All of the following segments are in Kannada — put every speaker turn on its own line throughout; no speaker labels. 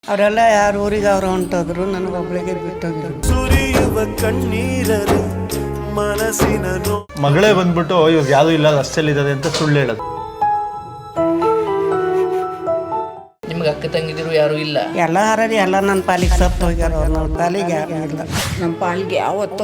ಅವರೆಲ್ಲ ಯಾರು ಊರಿಗೆ ಅವ್ರು ಹೊಂಟೋದ್ರು, ನನಗೊಬ್ಳಿಗೆ ಬಿಟ್ಟೋಗಿದ್ರು.
ಸುರಿಯುವ ಕಣ್ಣೀರರು ಮನಸ್ಸಿನ
ಮಗಳೇ ಬಂದ್ಬಿಟ್ಟು ಇವಾಗ ಯಾವ್ದು ಇಲ್ಲ ರಸ್ತೆಯಲ್ಲಿ ಇದ್ದಾರೆ ಅಂತ ಸುಳ್ಳು ಹೇಳೋದು.
ನಿಮ್ಗೆ ಅಕ್ಕ ತಂಗಿದಿರು ಯಾರು ಇಲ್ಲ?
ಎಲ್ಲ ಹಾರಡಿ ಎಲ್ಲ ನನ್ನ ಪಾಲಿಗೆ ಸತ್ತು ಹೋಗ್ಯಾರ. ಅವ್ರು ನನ್ನ ಪಾಲಿಗೆ ಯಾರು ಇಲ್ಲ.
ನಮ್ಮ ಪಾಲಿಗೆ ಯಾವತ್ತೋ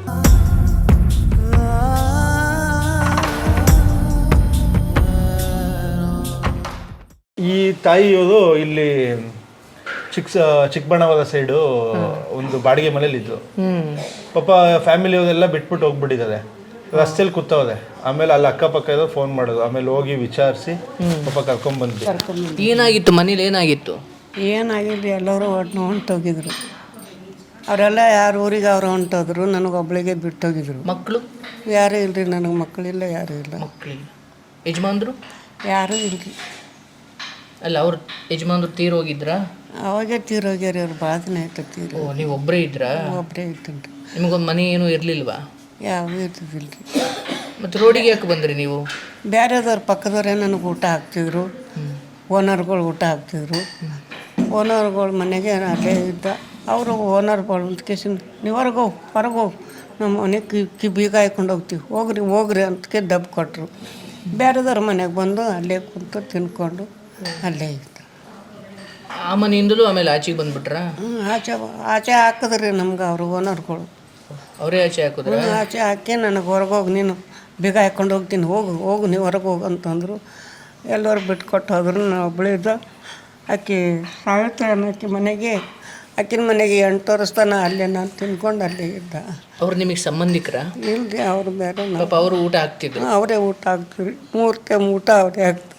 ಈ ತಾಯಿಯವರು ಇಲ್ಲಿ ಚಿಕ್ಕಬಳ್ಳಾಪುರ ಸೈಡು ಒಂದು ಬಾಡಿಗೆ ಮನೇಲಿ ಇದ್ರು. ಪಾಪ ಫ್ಯಾಮಿಲಿಯವರೆಲ್ಲ ಬಿಟ್ಬಿಟ್ಟು ಹೋಗ್ಬಿಟ್ಟಿದ್ದಾರೆ. ರಸ್ತೆಯಲ್ಲಿ ಕೂತವ್ರೆ. ಆಮೇಲೆ ಅಲ್ಲಿ ಅಕ್ಕಪಕ್ಕ ಇರೋ ಫೋನ್ ಮಾಡೋದು. ಆಮೇಲೆ ಹೋಗಿ ವಿಚಾರಿಸಿ ಪಾಪ ಕರ್ಕೊಂಡ್ಬಂದ್ವಿ.
ಏನಾಗಿತ್ತು ಮನೇಲಿ? ಏನಾಗಿತ್ತು?
ಏನಾಗಿದ್ದು ಎಲ್ಲರೂ ಹೊಂಟೋಗಿದ್ರು. ಅವರೆಲ್ಲ ಯಾರು ಊರಿಗೆ ಅವ್ರು ಹೊಂಟೋದ್ರು, ನನಗೊಬ್ಳಿಗೆ ಬಿಟ್ಟೋಗಿದ್ರು.
ಮಕ್ಕಳು
ಯಾರೂ ಇಲ್ರಿ, ನನಗೆ ಮಕ್ಕಳಿಲ್ಲ, ಯಾರೂ ಇಲ್ಲ.
ಮಕ್ಕಳಿಲ್ಲ. ಯಜಮಾನ್ರು
ಯಾರೂ ಇಲ್ರಿ.
ಅಲ್ಲ, ಅವ್ರ ಯಜಮಾನ್ರು ತೀರೋಗಿದ್ರಾ?
ಅವಾಗೇ ತೀರೋಗ್ಯಾರ. ಅವ್ರು ಭಾಳ ದಿನ ಆಯ್ತು ತೀರೋ.
ಓ, ನೀವು ಒಬ್ಬರೇ ಇದ್ರಾ?
ಒಬ್ಬರೇ ಇಟ್ಟನ್ರಿ.
ನಿಮಗೊಂದು ಮನೆ ಏನೂ ಇರಲಿಲ್ವಾ?
ಯಾವ ಇರ್ತಿದ್ದಿಲ್ಲ ರೀ.
ಮತ್ತು ರೋಡಿಗೆ ಯಾಕೆ ಬಂದ್ರಿ ನೀವು?
ಬೇರೆದವ್ರ ಪಕ್ಕದವರೇ ನನಗೆ ಊಟ ಹಾಕ್ತಿದ್ರು. ಓನರ್ಗಳು ಊಟ ಹಾಕ್ತಿದ್ರು. ಓನರ್ಗಳ ಮನೆಗೆ ಅಲ್ಲೇ ಇದ್ದ. ಅವರು ಓನರ್ಗಳು ಅಂತ ಕೇಸಿಂದ ನೀವು ಹೊರಗೆ ಹೋಗಿ ನಮ್ಮ ಮನೆಗೆ ಬೀಗ ಹಾಯ್ಕೊಂಡು ಹೋಗ್ತೀವಿ, ಹೋಗ್ರಿ ಅಂತಕ್ಕೆ ದಬ್ಬು ಕೊಟ್ಟರು. ಬೇರೆದವ್ರ ಮನೆಗೆ ಬಂದು ಅಲ್ಲೇ ಕುಂತು ತಿನ್ಕೊಂಡು ಅಲ್ಲೇ ಇದ್ದ.
ಆ ಮನೆಯಿಂದಲೂ ಆಮೇಲೆ ಆಚೆಗೆ ಬಂದ್ಬಿಟ್ರಾ?
ಆಚೆ ಹಾಕಿದ್ರಿ ನಮ್ಗೆ ಅವರು ಓನರ್ಗಳು.
ಅವರೇ ಆಚೆ ಹಾಕಿದ್ರ?
ಆಚೆ ಹಾಕಿ ನನಗೆ ಹೊರಗೆ ಹೋಗಿ, ನೀನು ಬೀಗ ಹಾಕ್ಕೊಂಡು ಹೋಗ್ತೀನಿ, ಹೋಗು ನೀವು ಹೊರಗೆ ಹೋಗು ಅಂತಂದರು. ಎಲ್ಲರೂ ಬಿಟ್ಕೊಟ್ಟು ಹೋದ್ರು. ನಾನು ಒಬ್ಬಳಿದ್ದ. ಆಕೆ ಸಾವಿತ್ರಿ ಅನ್ನೋಕ್ಕೆ ಮನೆಗೆ, ಆಕಿನ ಮನೆಗೆ 8 ವರ್ಷ ತನಕ ಅಲ್ಲೇ ನಾನು ತಿನ್ಕೊಂಡು ಅಲ್ಲೇ ಇದ್ದ.
ಅವ್ರು ನಿಮಗೆ ಸಂಬಂಧಿಕರ?
ಇಲ್ರಿ, ಅವರು ಬೇರೆ.
ಪಾಪ ಅವರು ಊಟ ಹಾಕ್ತಿದ್ರು?
ಅವರೇ ಊಟ ಹಾಕ್ತೀವಿ. 3 ಟೈಮ್ ಊಟ ಅವರೇ ಹಾಕ್ತಾರೆ.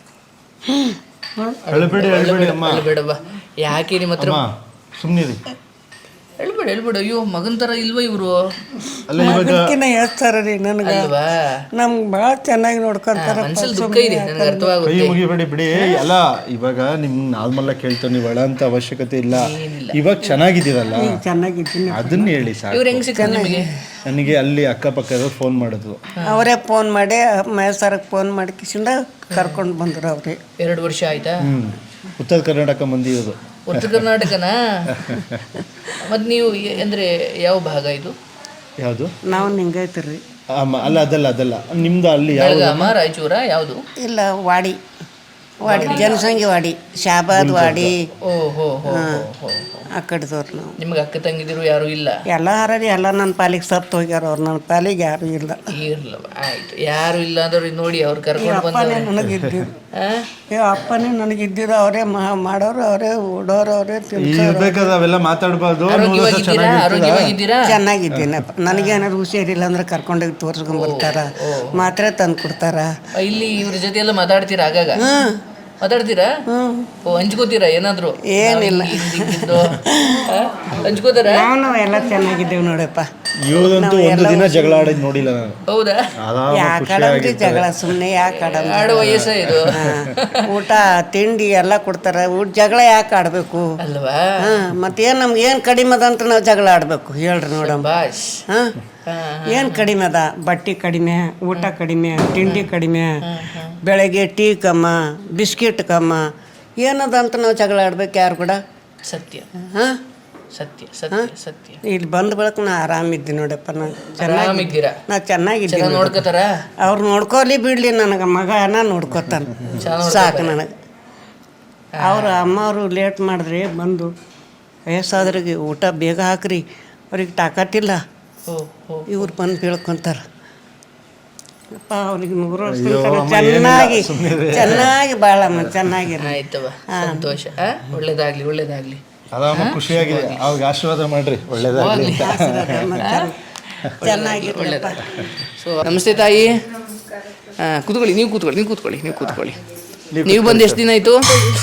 ಬೇಡವಾ? ಯಾಕೆ ನಿಮ್ಮ ಹತ್ರ
ಸುಮ್ಮನಿರಿ.
ಹೇಳ್ಬೇಡ. ಅಯ್ಯೋ, ಮಗನ ಥರ ಇಲ್ವಾ ಇವರು?
ಅದಕ್ಕಿಂತ ಹೇಳ್ತಾರ ರೀ ನನಗೆ.
ಅಲ್ವಾ?
ನಮ್ಗೆ ಭಾಳ ಚೆನ್ನಾಗಿ ನೋಡ್ಕೊಂತಾರ.
ಮನ್ಸಲ್ಲಿ ದುಃಖ ಇದೆ, ನನಗೆ ಅರ್ಥವಾಗುತ್ತೆ.
ಕೈ ಮುಗಿಬೇಡಿ ಬಿಡಿ. ಅಲ್ಲ, ಇವಾಗ ನಿಮ್ಗೆ ನಾರ್ಮಲ್ ಕೇಳ್ತೇವೆ, ನೀವು ಅಂತ ಅವಶ್ಯಕತೆ ಇಲ್ಲ. ಇವಾಗ ಚೆನ್ನಾಗಿದ್ದೀರಲ್ಲ,
ಚೆನ್ನಾಗಿದ್ದೀನಿ.
ಅದನ್ನ ಹೇಳಿ ಸಾಕು.
ಇವ್ರು ಹೆಂಗ್ ಸಿಕ್ಕ ನಿಮಗೆ?
ನನಗೆ ಅಲ್ಲಿ ಅಕ್ಕಪಕ್ಕ ಫೋನ್ ಮಾಡಿದ್ರು.
ಅವರೇ ಫೋನ್ ಮಾಡಿ ಮೈಸೂರಿಗೆ ಫೋನ್ ಮಾಡಿ ಕಿಸಿಂದ ಕರ್ಕೊಂಡು ಬಂದರು ಅವರೇ.
2 ವರ್ಷ ಆಯ್ತಾ?
ಉತ್ತರ ಕರ್ನಾಟಕ ಮಂದಿ ಇರೋದು.
ಉತ್ತರ ಕರ್ನಾಟಕನಾ? ಮತ್ತು ನೀವು ಅಂದರೆ ಯಾವ ಭಾಗ ಇದು?
ಯಾವುದು?
ನಾವು ನಿಂಗೈತ್ರಿ.
ಅಲ್ಲ, ಅದಲ್ಲ ನಿಮ್ದು ಅಲ್ಲಿ
ಬೆಳಗಾಮ, ರಾಯಚೂರ, ಯಾವುದು?
ಇಲ್ಲ, ವಾಡಿ ಜನಸಂಖ್ಯೆ ವಾಡಿ, ಶಾಬಾದ್ ವಾಡಿ.
ಓಹೋ,
ಆ ಕಡೆದವ್ರು ನಾವು.
ನಿಮ್ಗೆ ಅಕ್ಕ ತಂಗಿದಿರು ಯಾರು ಇಲ್ಲ?
ಎಲ್ಲ ಹಾರಡಿ ಎಲ್ಲ ನನ್ನ ಪಾಲಿಗೆ ಸತ್ತು ಹೋಗ್ಯಾರ. ಅವ್ರು ನನ್ನ ಪಾಲಿಗೆ ಯಾರೂ ಇಲ್ಲ.
ಇರ್ಲವ, ಆಯ್ತು. ಯಾರು ಇಲ್ಲ ಅಂದ್ರೆ ನೋಡಿ, ಅವ್ರು ಕರ್ಕೊಂಡು
ಅಪ್ಪನೇ ನನಗಿದ್ದಿದ್ದು. ಅಪ್ಪನೇ ನನಗಿದ್ದಿದ್ದು. ಅವರೇ ಮಾಡೋರು, ಅವರೇ ಉಡೋರು, ಅವರೇ
ಇರ್ಬೇಕಾದ್ರೆ ಅವೆಲ್ಲ ಮಾತಾಡ್ಬಾರ್ದು.
ಆರೋಗ್ಯವಾಗಿದ್ದೀರಾ?
ಚೆನ್ನಾಗಿದ್ದೀನಪ್ಪ. ನನಗೇನಾದ್ರು ಹುಷಾರಿಲ್ಲ ಅಂದ್ರೆ ಕರ್ಕೊಂಡೋಗಿ ತೋರಿಸ್ಕೊಂಡ್ಬರ್ತಾರ, ಮಾತ್ರೆ ತಂದು ಕೊಡ್ತಾರ.
ಇಲ್ಲಿ ಇವ್ರ ಜೊತೆ ಎಲ್ಲ ಮಾತಾಡ್ತೀರಾ? ಆಗಾಗ ಮಾತಾಡ್ತೀರಾ? ಓ, ಹಂಚ್ಕೋತೀರಾ ಏನಾದ್ರು?
ಏನಿಲ್ಲ,
ಹಂಚ್ಕೋತಾರ?
ನಾವು ಎಲ್ಲ ಚೆನ್ನಾಗಿದ್ದೇವೆ ನೋಡಪ್ಪ.
ಇವರಂತೂ ಒಂದು ದಿನ ಜಗಳ ಆಡಿದ್ ನೋಡಿಲ್ಲ ನಾನು.
ಹೌದಾ?
ಯಾಕಡಮ್ರಿ ಜಗಳ? ಸುಮ್ಮನೆ ಯಾಕೆ
ಆಡೋ ವಯಸ್ಸ ಇದು.
ಊಟ ತಿಂಡಿ ಎಲ್ಲ ಕೊಡ್ತಾರ. ಜಗಳ ಯಾಕೆ ಆಡಬೇಕು
ಅಲ್ವಾ?
ಮತ್ತೇನು ನಮ್ಗೆ ಏನು ಕಡಿಮೆ ಅದ ಅಂತ ನಾವು ಜಗಳ ಆಡಬೇಕು? ಹೇಳ್ರಿ ನೋಡಮ್ಮ.
ಬಾಶ್.
ಏನು ಕಡಿಮೆ ಅದ? ಬಟ್ಟೆ ಕಡಿಮೆ, ಊಟ ಕಡಿಮೆ, ತಿಂಡಿ ಕಡಿಮೆ, ಬೆಳಗ್ಗೆ ಟೀ ಕಮ್ಮ, ಬಿಸ್ಕಿಟ್ ಕಮ್ಮ, ಏನದ ಅಂತ ನಾವು ಜಗಳ ಆಡ್ಬೇಕು ಯಾರು ಕೂಡ?
ಸತ್ಯ.
ಹಾಂ,
ಸತ್ಯ ಸತ್ಯ ಸತ್ಯ.
ಇಲ್ಲಿ ಬಂದ ಬಳಕ ನಾ ಆರಾಮಿದ್ದೀನಿ ನೋಡಪ್ಪ. ನಾನು
ಆರಾಮಿದ್ದೀರಾ?
ನಾ ಚೆನ್ನಾಗಿದ್ದೀನಿ.
ನೋಡ್ಕೋತಾರ?
ಅವ್ರು ನೋಡ್ಕೊಲಿ ಬಿಡ್ಲಿ, ನನಗೆ ಮಗನ ನೋಡ್ಕೊತಾನೆ, ಸಾಕು ನನಗೆ. ಅವ್ರ ಅಮ್ಮ ಅವರು ಲೇಟ್ ಮಾಡಿದ್ರೆ ಬಂದು, ವಯಸ್ಸಾದ್ರಿಗೆ ಊಟ ಬೇಗ ಹಾಕ್ರಿ, ಅವ್ರಿಗೆ ತಾಕತ್ತಿಲ್ಲ, ಇವ್ರು ಬಂದು ಬೀಳ್ಕೊಂತಾರ. ಅಪ್ಪ ಅವ್ರಿಗೆ 100 ವರ್ಷ ಚೆನ್ನಾಗಿ ಬಾಳಮ್ಮ, ಚೆನ್ನಾಗಿರ.
ಆಯ್ತವ, ಸಂತೋಷ. ಒಳ್ಳೇದಾಗ್ಲಿ.
ಆರಾಮ, ಖುಷಿಯಾಗಿದೆ. ಅವ್ರಿಗೆ ಆಶೀರ್ವಾದ ಮಾಡ್ರಿ, ಒಳ್ಳೇದಾಗ್ಲಿ.
ಚೆನ್ನಾಗಿ
ಒಳ್ಳೇದ. ಸೊ, ನಮಸ್ತೆ ತಾಯಿ. ಕೂತ್ಕೊಳ್ಳಿ. ನೀವು ಕೂತ್ಕೊಳ್ಳಿ. ನೀವು ಬಂದು ಎಷ್ಟು ದಿನ ಆಯ್ತು?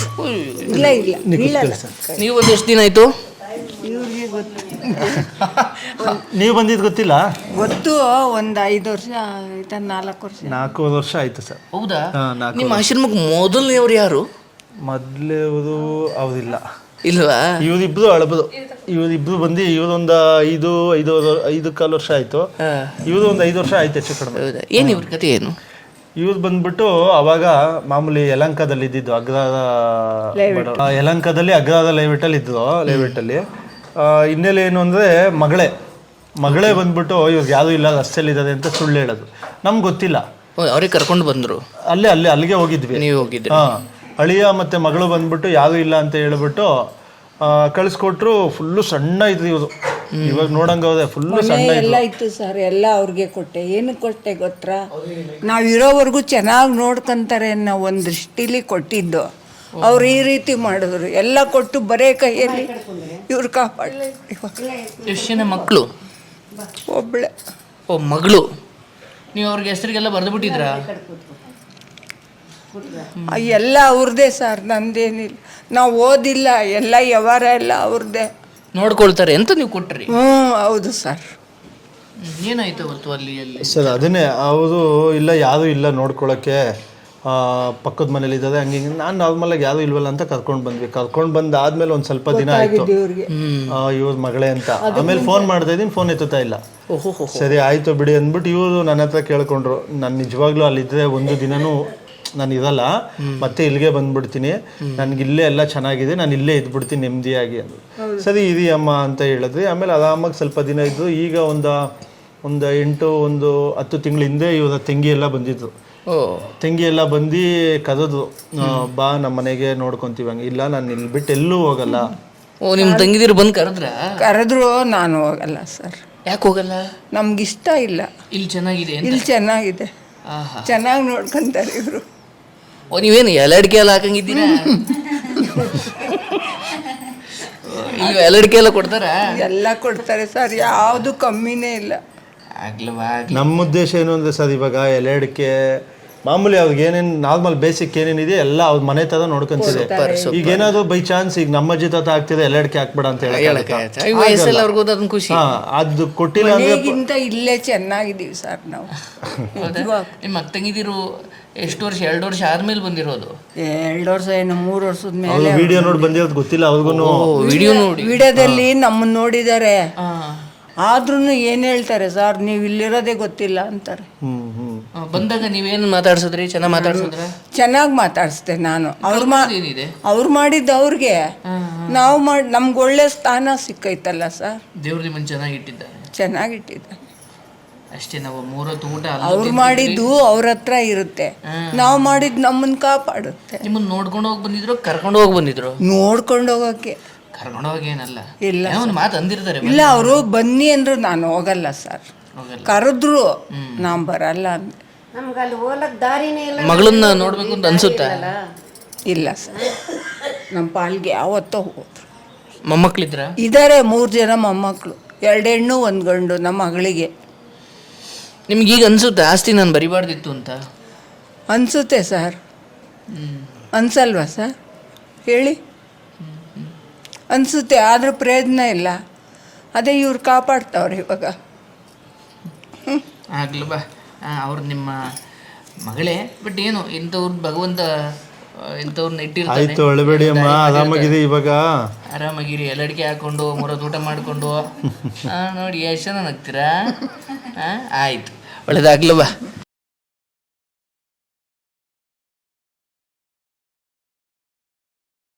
ನೀವು ಬಂದು ಎಷ್ಟು ದಿನ ಆಯ್ತು?
ಇವ್ರಿಗೆ ಗೊತ್ತು.
ನೀವು ಬಂದಿದ್ದು ಗೊತ್ತಿಲ್ಲ?
ಗೊತ್ತು. ಒಂದು 5 ವರ್ಷ ಆಯ್ತಾ? 4 ವರ್ಷ.
4 ವರ್ಷ ಆಯ್ತು ಸರ್.
ಹೌದಾ? ನಿಮ್ಮ ಆಶ್ರಮಕ್ಕೆ ಮೊದಲನೇವ್ರು ಯಾರು?
ಮೊದಲೇವರು ಅವ್ರಿಲ್ಲ.
ಇಲ್ವಾ?
ಇವರಿಬ್ರು ಅಳಬದು. ಇವರಿಬ್ರು ಬಂದು ಇವರೊಂದು 5 ಕಾಲು ವರ್ಷ ಆಯ್ತು. ಇವರು ಒಂದು 5 ವರ್ಷ ಆಯ್ತು ಹೆಚ್ಚು ಕಡಿಮೆ.
ಹೌದಾ? ಏನು ಇವ್ರ ಕತೆ ಏನು?
ಇವ್ರು ಬಂದ್ಬಿಟ್ಟು ಅವಾಗ ಮಾಮೂಲಿ ಯಲಹಂಕದಲ್ಲಿ ಇದ್ದಿದ್ದು ಯಲಹಂಕದಲ್ಲಿ ಅಗ್ರಹಾರದ ಲೇಔಟಲ್ಲಿ ಹಿನ್ನೆಲೆ ಏನು ಅಂದರೆ ಮಗಳೇ ಬಂದ್ಬಿಟ್ಟು ಇವ್ರಿಗೆ ಯಾವುದೂ ಇಲ್ಲ ರಸ್ತೆಯಲ್ಲಿ ಇದ್ದಾರೆ ಅಂತ ಸುಳ್ಳು ಹೇಳೋದು. ನಮ್ಗೆ ಗೊತ್ತಿಲ್ಲ.
ಅವ್ರಿಗೆ ಕರ್ಕೊಂಡು ಬಂದರು.
ಅಲ್ಲಿಗೆ ಹೋಗಿದ್ವಿ.
ನೀವು ಹೋಗಿದ್ರಿ?
ಅಳಿಯ ಮತ್ತು ಮಗಳು ಬಂದ್ಬಿಟ್ಟು ಯಾವುದೂ ಇಲ್ಲ ಅಂತ ಹೇಳ್ಬಿಟ್ಟು ಕಳಿಸ್ಕೊಟ್ರು. ಫುಲ್ಲು ಸಣ್ಣ ಇದ್ರು ಇವರು. ಇವಾಗ ನೋಡಂಗ ಹೋದೆ ಫುಲ್ಲು ಸಣ್ಣ
ಎಲ್ಲ ಇತ್ತು ಸರ್. ಎಲ್ಲ ಅವ್ರಿಗೆ ಕೊಟ್ಟೆ. ಏನಕ್ಕೆ ಕೊಟ್ಟೆ ಗೊತ್ತಾ, ನಾವಿರೋವರೆಗೂ ಚೆನ್ನಾಗಿ ನೋಡ್ಕೊಂತಾರೆ ಅನ್ನೋ ಒಂದು ದೃಷ್ಟಿಲಿ ಕೊಟ್ಟಿದ್ದು. ಅವ್ರು ಈ ರೀತಿ ಮಾಡಿದ್ರು. ಎಲ್ಲ ಕೊಟ್ಟು ಬರೇ ಕೈಯಲ್ಲಿ ಇವ್ರು ಕಾಪಾಡಲಿ.
ಎಷ್ಟು ಜನ ಮಕ್ಕಳು?
ಒಬ್ಳೆ.
ಓ, ಮಗಳು. ನೀವು ಅವ್ರಿಗೆ ಹೆಸರಿಗೆಲ್ಲ ಬರೆದು ಬಿಟ್ಟಿದ್ರಾ?
ಎಲ್ಲ ಅವ್ರದ್ದೇ ಸರ್, ನಂದೇನಿಲ್ಲ. ನಾವು ಓದಿಲ್ಲ. ಎಲ್ಲ ವ್ಯವಹಾರ ಎಲ್ಲ ಅವ್ರದ್ದೇ
ನೋಡ್ಕೊಳ್ತಾರೆ ಅಂತ ನೀವು ಕೊಟ್ರಿ?
ಹೌದು ಸರ್.
ಏನಾಯ್ತು ಅವತ್ತು ಅಲ್ಲಿ?
ಸರ್ ಅದನ್ನೇ ಅವರು ಇಲ್ಲ, ಯಾವುದೂ ಇಲ್ಲ ನೋಡ್ಕೊಳಕ್ಕೆ, ಪಕ್ಕದ ಮನೇಲಿ ಇದ್ದದೆ ಹಂಗೆ ಹಿಂಗೆ. ನಾನು ನಾರ್ಮಲಾಗಿ ಯಾವುದೂ ಇಲ್ವಲ್ಲ ಅಂತ ಕರ್ಕೊಂಡು ಬಂದಾದ್ಮೇಲೆ ಒಂದು ಸ್ವಲ್ಪ ದಿನ ಆಯಿತು ಇವ್ರ ಮಗಳೇ ಅಂತ. ಆಮೇಲೆ ಫೋನ್ ಮಾಡ್ತಾ ಇದ್ದೀನಿ, ಫೋನ್ ಎತ್ತುತ್ತಾ ಇಲ್ಲ. ಸರಿ ಆಯಿತು ಬಿಡಿ ಅಂದ್ಬಿಟ್ಟು ಇವರು ನನ್ನ ಹತ್ರ ಕೇಳ್ಕೊಂಡ್ರು. ನಾನು ನಿಜವಾಗ್ಲೂ ಅಲ್ಲಿದ್ದರೆ ಒಂದು ದಿನನೂ ನಾನು ಇರಲ್ಲ, ಮತ್ತೆ ಇಲ್ಲಿಗೆ ಬಂದ್ಬಿಡ್ತೀನಿ, ನನಗಿಲ್ಲೇ ಎಲ್ಲ ಚೆನ್ನಾಗಿದೆ, ನಾನು ಇಲ್ಲೇ ಇದ್ಬಿಡ್ತೀನಿ ನೆಮ್ಮದಿಯಾಗಿ ಅಂದರು. ಸರಿ ಇರಿ ಅಮ್ಮ ಅಂತ ಹೇಳಿದ್ರಿ. ಆಮೇಲೆ ಆರಾಮಾಗಿ ಸ್ವಲ್ಪ ದಿನ ಇದ್ದು. ಈಗ ಒಂದು 10 ತಿಂಗಳ ಹಿಂದೆ ಇವರ ತಂಗಿ ಎಲ್ಲ ಬಂದಿದ್ರು. ತಂಗಿ ಎಲ್ಲ ಬಂದು ಕರೆದು, ಬಾ ನಮ್ಮ ಮನೆಗೆ ನೋಡ್ಕೊಂತೀವಿ. ಹಂಗೆ ಇಲ್ಲ, ನಾನು ಇಲ್ಲಿ ಬಿಟ್ಟು ಎಲ್ಲೂ ಹೋಗಲ್ಲ.
ಓ, ನಿಮ್ಮ ತಂಗಿದಿರು ಬಂದು
ಕರೆದ್ರು ನಾನು ಹೋಗಲ್ಲ ಸರ್.
ಯಾಕೆ ಹೋಗಲ್ಲ?
ನಮ್ಗಿಷ್ಟ ಇಲ್ಲ.
ಇಲ್ಲಿ ಚೆನ್ನಾಗಿದೆ?
ಇಲ್ಲಿ ಚೆನ್ನಾಗಿದೆ, ಚೆನ್ನಾಗಿ ನೋಡ್ಕೊಂತಾರೆ ಇವರು.
ಓ, ನೀವೇನು ಎಲಡಿಕೆ ಎಲ್ಲ ಹಾಕಂಗಿದ್ದೀರಾ? ಇಲ್ಲಿ ಎಲಡಿಕೆ ಎಲ್ಲ ಕೊಡ್ತಾರಾ?
ಎಲ್ಲ ಕೊಡ್ತಾರೆ ಸರ್, ಯಾವುದು ಕಮ್ಮಿನೇ ಇಲ್ಲ.
ನಮ್ಮ ಉದ್ದೇಶ ಏನು ಅಂದರೆ ಸರ್, ಇವಾಗ ಎಲೆಡಿಕೆ ಮಾಮೂಲಿ ಅವ್ರಿಗೆ ಏನೇನು ನಾರ್ಮಲ್ ಬೇಸಿಕ್ ಏನೇನಿದೆ ಎಲ್ಲ ಅವ್ರ ಮನೆ ತರ ನೋಡ್ಕೊಂತಿದೆ. ಈಗ ಏನಾದ್ರು ಬೈ ಚಾನ್ಸ್ ಈಗ ನಮ್ಮ ಜೊತೆ ಆಗ್ತಿದೆ ಎಲೆಡಿಕೆ ಹಾಕ್ಬೇಡ ಅಂತ ಹೇಳಕ್
ಖುಷಿ.
ಅದು ಕೊಟ್ಟಿಲ್ಲ
ಅಂದ್ರೆ ಇಲ್ಲೇ ಚೆನ್ನಾಗಿದ್ದೀವಿ ಸರ್ ನಾವು.
ನಿಮ್ಮ ತಂಗಿದಿರು ಎಷ್ಟು ವರ್ಷ? 2 ವರ್ಷ ಆದ್ಮೇಲೆ ಬಂದಿರೋದು?
2 ವರ್ಷ ಏನು 3 ವರ್ಷದ ಮೇಲೆ.
ವಿಡಿಯೋ ನೋಡಿ ಬಂದಿರೋದು ಗೊತ್ತಿಲ್ಲ ಅವ್ರಿಗೂ.
ವಿಡಿಯೋದಲ್ಲಿ ನಮ್ಮನ್ನ ನೋಡಿದ್ದಾರೆ, ಆದ್ರೂ ಏನ್ ಹೇಳ್ತಾರೆ ಸರ್, ನೀವು ಇಲ್ಲಿರೋದೇ ಗೊತ್ತಿಲ್ಲ ಅಂತಾರೆ.
ಬಂದಾಗ ನೀವೇನು ಮಾತಾಡ್ಸಿದ್ರಿ? ಚೆನ್ನಾಗಿ ಮಾತಾಡ್ಸಿದ್ರ?
ಚೆನ್ನಾಗಿ ಮಾತಾಡಿಸ್ದೆ ನಾನು. ಅವ್ರು ಮಾಡಿದ್ದು ಅವ್ರಿಗೆ, ನಾವು ನಮ್ಗೆ ಒಳ್ಳೆ ಸ್ಥಾನ ಸಿಕ್ಕೈತಲ್ಲ ಸರ್.
ದೇವ್ರ ನಿಮ್ಮನ್ನು ಚೆನ್ನಾಗಿಟ್ಟಿದ್ದಾರೆ.
ಚೆನ್ನಾಗಿಟ್ಟಿದ್ದಾರೆ
ಅಷ್ಟೇ. ನಾವು 3 ಹೊತ್ತು ಊಟ
ಅವ್ರು ಮಾಡಿದ್ದು ಅವ್ರ ಹತ್ರ ಇರುತ್ತೆ, ನಾವು ಮಾಡಿದ್ದು ನಮ್ಮನ್ನ ಕಾಪಾಡುತ್ತೆ.
ನಿಮ್ಮನ್ನ ನೋಡ್ಕೊಂಡು ಹೋಗಿ ಬಂದಿದ್ರು, ಕರ್ಕೊಂಡು ಹೋಗಿ ಬಂದಿದ್ರು?
ನೋಡ್ಕೊಂಡು ಹೋಗಕ್ಕೆ.
ಕರ್ಕೊಂಡು ಹೋಗೇನಲ್ಲ,
ಇಲ್ಲ
ಒಂದು ಮಾತು ಅಂದಿರ್ತಾರೆ.
ಇಲ್ಲ, ಅವರು ಬನ್ನಿ ಅಂದ್ರು ನಾನು ಹೋಗಲ್ಲ ಸರ್. ಕರೆದ್ರು ನಾನು ಬರಲ್ಲ ಅಂದೆ.
ಮಗಳನ್ನ ನೋಡ್ಬೇಕು ಅಂತ ಅನ್ಸುತ್ತಾ?
ಇಲ್ಲ ಸರ್, ನಮ್ಮ ಪಾಲ್ಗೆ ಯಾವತ್ತೋ ಹೋದ್ರು.
ಮೊಮ್ಮಕ್ಳಿದ್ರ?
ಇದ್ದಾರೆ 3 ಜನ ಮೊಮ್ಮಕ್ಕಳು, 2 ಹೆಣ್ಣು 1 ಗಂಡು ನಮ್ಮ ಮಗಳಿಗೆ.
ನಿಮ್ಗೆ ಈಗ ಅನ್ಸುತ್ತೆ ಆಸ್ತಿ ನಾನು ಬರಿಬಾರ್ದಿತ್ತು ಅಂತ?
ಅನ್ಸುತ್ತೆ ಸರ್. ಅನ್ಸಲ್ವಾ ಸರ್ ಹೇಳಿ? ಅನ್ಸುತ್ತೆ, ಆದ್ರೆ ಪ್ರಯೋಜನ ಇಲ್ಲ. ಅದೇ ಇವ್ರು ಕಾಪಾಡ್ತಾವ್ರೆ ಇವಾಗ.
ಆಗ್ಲಿ ಬಾ, ಅವ್ರು ನಿಮ್ಮ ಮಗಳೇ. ಬಟ್ ಏನು ಇಂಥವ್ರು ಭಗವಂತ ಇಂಥವ್ರನ್ನ ಇಟ್ಟಿರ್ತಾರೆ.
ಆಯ್ತು, ಅಳಬೇಡಿ ಅಮ್ಮ, ಆರಾಮಾಗಿದೆ ಇವಾಗ.
ಆರಾಮಾಗಿರಿ, ಎಲ್ಲಡಿಕೆ ಹಾಕೊಂಡು 3 ಹೊತ್ತು ಊಟ ಮಾಡಿಕೊಂಡು ನೋಡಿ ಎಷ್ಟು ಜನ ನಗ್ತೀರಾ. ಆಯ್ತು, ಒಳ್ಳೇದಾಗ್ಲವಾ.